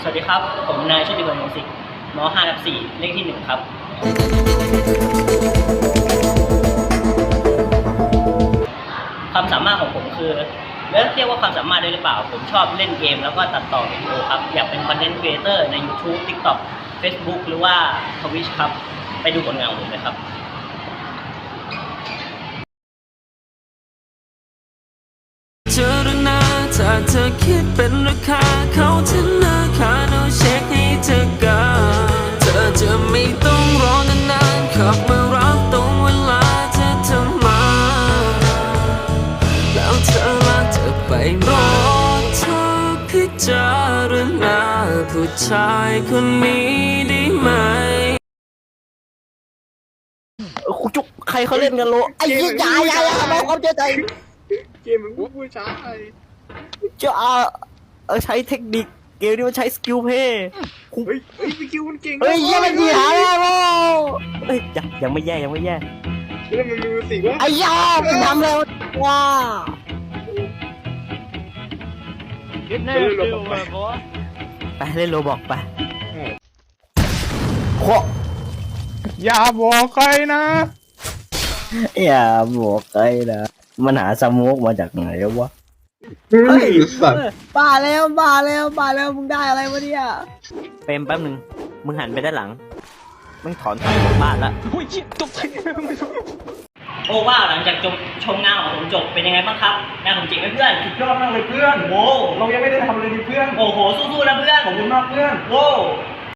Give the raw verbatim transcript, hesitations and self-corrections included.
สวัสดีครับผมนายชุติพลวงศ์ศิษย์ม .ห้า ทับ สี่เลขที่หนึ่งครับความสามารถของผมคือเรียกเรียกว่าความสามารถได้หรือเปล่าผมชอบเล่นเกมแล้วก็ตัดต่อวิดีโอครับอยากเป็นคอนเทนต์ครีเอเตอร์ใน YouTube TikTok Facebook หรือว่า Twitch ครับไปดูผลงานของผมเลยครับเจอรนาถ้าเธอคิดเป็นราคาเขาธนาคารเอาเช็คให้เธอกันเธอจะไม่ต้องรอนานๆขับมารับตรงเวลาเธอจะมาแล้วเธอลาเธอไปรอเธอพิจารณาผู้ชายคนนี้ได้ไหมคุณจุกใครเขาเล่นกันโลไอ้ยี่ยายายาน้องเขาเจอใจเกมมันผู้ชายจะเอาเออใช้เทคนิคเกมนี้มันใช้สกิลเพย์เฮ้ยเฮ้ยพี่คิวมันเก่งเฮ้ยยังไม่ดีหาแล้วเฮ้ยยังยังไม่แย่ยังไม่แย่แล้วมันมีสิวะไอ้ยามันทำแล้วว้าไปเล่นโรบอกไปโคอย่าบอกใครนะอย่าบอกใครนะมันหาสโมกมาจากไหนวะเฮ้ยสัตว์บ้าแล้วบ้าแล้วบ้าแล้วมึงได้อะไรวะเนี่ยเปรมแป๊บนึงมึงหันไปด้านหลังมึงถอนถอยจากบ้านละโอ้ยตกใจโอ้ว่าหลังจากจบชมงานของผมจบเป็นยังไงบ้างครับงานผมเจ๋งไหมเพื่อนสุดยอดมากเลยเพื่อนโว้เรายังไม่ได้ทำเลยดิเพื่อนโอ้โหสู้ๆนะเพื่อนขอบคุณมากเพื่อนโว้